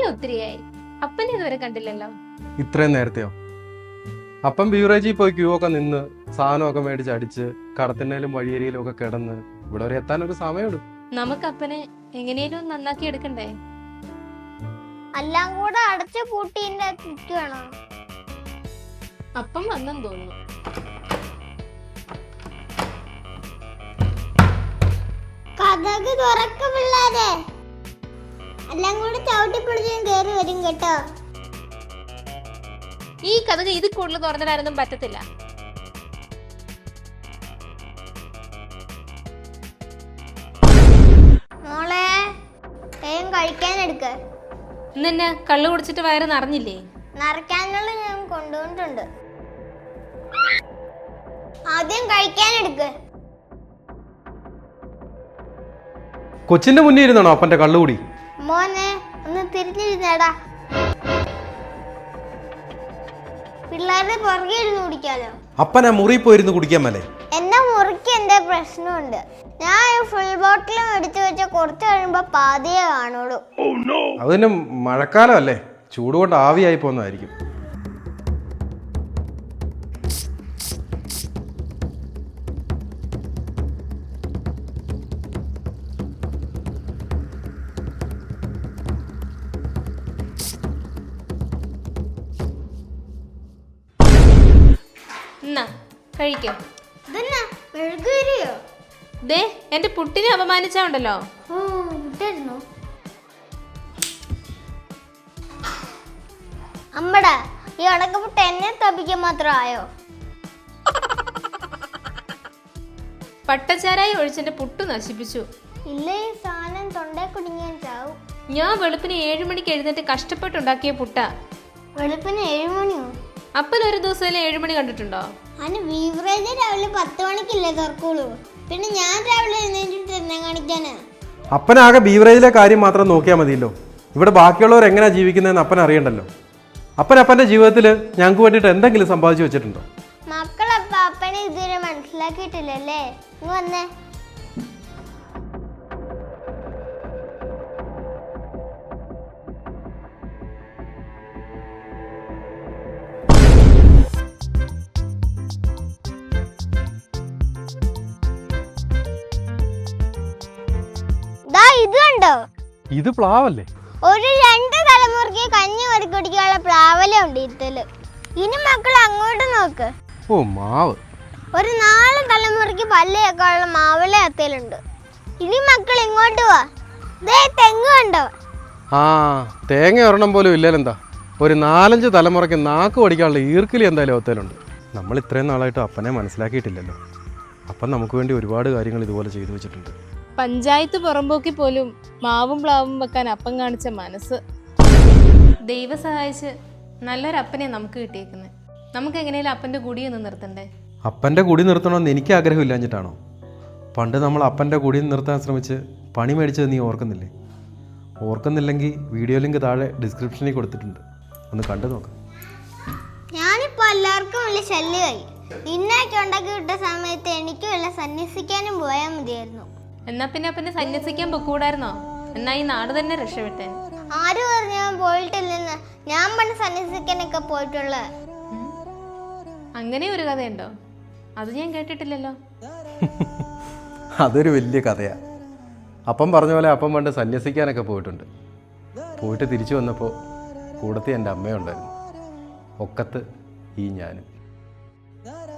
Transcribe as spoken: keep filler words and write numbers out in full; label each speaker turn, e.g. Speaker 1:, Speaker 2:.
Speaker 1: ഒത്തിരിയായി. അപ്പനെ ഇതുവരെ കണ്ടില്ലല്ലോ.
Speaker 2: ഇത്രയും നേരത്തെയോ? അപ്പം ബീവറേജിൽ പോയി ക്യൂ ഒക്കെ നിന്ന് സാധനമൊക്കെ മേടിച്ച് അടിച്ച് കടത്തിനേലും വഴിയേരിയിലും ഒക്കെ കിടന്ന് ഇവിടെ വരെ എത്താൻ ഒരു സമയമുണ്ട്.
Speaker 1: നമുക്ക് അപ്പനെ എങ്ങനെയും നന്നാക്കി എടുക്കണ്ടേ?
Speaker 3: എല്ലാം കൂടെ അടച്ചു പൂട്ടിന്റെ ചുറ്റുവാണോ?
Speaker 1: അപ്പം വന്നെന്ന് തോന്നുന്നു.
Speaker 3: കഥക് തുറക്ക പിള്ളാരെ, എല്ലാം കൂടെ ചവിട്ടി പിടിച്ചും കേറി വരും കേട്ടോ.
Speaker 1: ഈ കഥക് ഇത് കൂടുതൽ തുറന്നിടാനൊന്നും പറ്റത്തില്ല.
Speaker 3: മോളെ വേഗം കഴിക്കാൻ എടുക്ക്.
Speaker 1: ഇന്നെന്നെ കള്ളു കുടിച്ചിട്ട് വയറ് നിറഞ്ഞില്ലേ?
Speaker 3: നിറയ്ക്കാനുള്ള ഞാൻ കൊണ്ടുവന്നിട്ടുണ്ട്. ആദ്യം കഴിക്കാൻ എടുക്ക്.
Speaker 2: കൊച്ചിന്റെ മുന്നിൽ ഇരുന്നാണോ അപ്പന്റെ കള്ളുകൂടി?
Speaker 3: മോനെ ഒന്ന് തിരിഞ്ഞിരുന്നേടാ. പിള്ളേരുടെ പുറകെ ഇരുന്ന് കുടിക്കാലോ.
Speaker 2: അപ്പനാ മുറി പോയിരുന്നു കുടിക്കാൻ മേലെ.
Speaker 3: എന്റെ മുറിക്ക് എന്റെ പ്രശ്നമുണ്ട്. ഞാൻ ഫുൾ ബോട്ടിലും എടുത്തു വെച്ച കുറച്ച് കഴിയുമ്പോ പാതിയെ കാണുള്ളൂ.
Speaker 2: അതിന് മഴക്കാലം അല്ലേ, ചൂട് കൊണ്ട് ആവിയായി പോകുന്നതായിരിക്കും.
Speaker 1: കഴിക്കോ.
Speaker 3: ദേ
Speaker 1: എന്റെ പുട്ടിനെ അപമാനിച്ചോണ്ടല്ലോ.
Speaker 3: അമ്മടാ, ഈ അടക്കപ്പെട്ട് എന്നെ തപ്പിക്കാൻ മാത്രം ആയോ?
Speaker 1: പട്ടച്ചാരായി ഒഴിച്ചെന്റെ പുട്ടു നശിപ്പിച്ചു.
Speaker 3: ഇല്ല, ഈ സാധനം തൊണ്ടേ കുടുങ്ങിയാൻ ചാവും.
Speaker 1: ഞാൻ വെളുപ്പിന് ഏഴു മണിക്ക് എഴുന്നേറ്റ് കഷ്ടപ്പെട്ടുണ്ടാക്കിയ പുട്ട.
Speaker 3: വെളുപ്പിന് ഏഴു മണിയോ?
Speaker 1: അപ്പൻ ഒരു ദിവസം ഏഴു മണി കണ്ടിട്ടുണ്ടോ?
Speaker 3: അതിന് ബീവറേജ് രാവിലെ പത്ത് മണിക്കല്ലേ തുറക്കുള്ളൂ. പിന്നെ ഞാൻ രാവിലെ എഴുന്നേറ്റിട്ട് എന്നെ കാണിക്കാനാ?
Speaker 2: അപ്പനാകെ ബീവറേജിലെ കാര്യം മാത്രം നോക്കിയാൽ മതിയല്ലോ. ഇവിടെ ബാക്കിയുള്ളവർ എങ്ങനെയാ ജീവിക്കുന്നതെന്ന് അപ്പൻ അറിയണ്ടല്ലോ. അപ്പൻ അപ്പന്റെ ജീവിതത്തിൽ ഞങ്ങൾക്ക് വേണ്ടിയിട്ട് എന്തെങ്കിലും സമ്പാദിച്ചു വെച്ചിട്ടുണ്ടോ?
Speaker 3: മക്കളപ്പ അപ്പനെ ഇതുവരെ മനസ്സിലാക്കിയിട്ടില്ലല്ലേ. ഇങ്ങ് വന്നേ. ഇത് കണ്ടോ?
Speaker 2: ഇത് പ്ലാവല്ലേ?
Speaker 3: ഒരു രണ്ട് തലമുറയ്ക്ക് കഞ്ഞി വരിക്കുടിക്കാനുള്ള പ്ലാവല ഉണ്ട് ഇതില്. ഇനി മക്കൾ അങ്ങോട്ട് നോക്ക്.
Speaker 2: ഓ, മാവ്.
Speaker 3: ഒരു നാല് തലമുറയ്ക്ക് പല്ലേക്കാനുള്ള മാവല അത്തേലുണ്ട്. ഇനി മക്കൾ ഇങ്ങോട്ട് വാ. ദേ തെങ്ങ് കണ്ടോ?
Speaker 2: ആ, തേങ്ങ ഒരെണ്ണം പോലും ഇല്ലല്ലെന്താ. ഒരു നാലഞ്ച് തലമുറയ്ക്ക് നാക്ക് പഠിക്കാനുള്ള ഈർക്കിലി എന്തായാലും ഒത്തേലുണ്ട്. നമ്മൾ ഇത്രയും നാളായിട്ട് അപ്പനെ മനസ്സിലാക്കിയിട്ടില്ലല്ലോ. അപ്പം നമുക്ക് വേണ്ടി ഒരുപാട് കാര്യങ്ങൾ ഇതുപോലെ ചെയ്തു വെച്ചിട്ടുണ്ട്.
Speaker 1: പഞ്ചായത്ത് പുറമ്പോക്കി പോലും മാവും പ്ലാവും വെക്കാൻ അപ്പം കാണിച്ച മനസ്സ്. ദൈവം സഹായിച്ച് നല്ലൊരപ്പനെ നമുക്ക് കിട്ടിയേക്കുന്നത്. നമുക്ക് എങ്ങനെയാലും അപ്പന്റെ കുടിയൊന്നും നിർത്തണ്ടേ?
Speaker 2: അപ്പന്റെ കുടി നിർത്തണമെന്ന് എനിക്ക് ആഗ്രഹമില്ലാഞ്ഞിട്ടാണോ? പണ്ട് നമ്മൾ അപ്പന്റെ കുടി നിർത്താൻ ശ്രമിച്ച് പണി മേടിച്ചത് നീ ഓർക്കുന്നില്ലേ? ഓർക്കുന്നില്ലെങ്കിൽ വീഡിയോ ലിങ്ക് താഴെ ഡിസ്ക്രിപ്ഷനിൽ കൊടുത്തിട്ടുണ്ട്, ഒന്ന് കണ്ടു നോക്കാം.
Speaker 3: ഞാനിപ്പോ എല്ലാവർക്കും വലിയ ശല്യമായി. നിന്നൊക്കെ ഉണ്ടാക്കി വിട്ട സമയത്ത് എനിക്ക് വല്ല സന്യസിക്കാനും പോയാൽ മതിയായിരുന്നു.
Speaker 1: എന്നാ പിന്നെ അപ്പനെ സന്യസിക്കാൻ പൊക്കൂടായിരുന്നോ? എന്നാ ഈ നാട് തന്നെ രക്ഷപ്പെട്ടെ.
Speaker 3: ആര് പറഞ്ഞു ഞാൻ പോയിട്ടില്ലെന്ന്? ഞാൻ പണ്ട് സന്യസിക്കാനൊക്കെ പോയിട്ടുള്ള.
Speaker 1: അങ്ങനെ ഒരു കഥയുണ്ടോ? അത് ഞാൻ കേട്ടിട്ടില്ലല്ലോ.
Speaker 2: അതൊരു വലിയ കഥയാ. അപ്പം പറഞ്ഞ പോലെ അപ്പം പണ്ട് സന്യസിക്കാനൊക്കെ പോയിട്ടുണ്ട്. പോയിട്ട് തിരിച്ചു വന്നപ്പോൾ കൂടത്തി എൻ്റെ അമ്മയുണ്ടായിരുന്നു, ഒക്കത്ത് ഈ ഞാനും.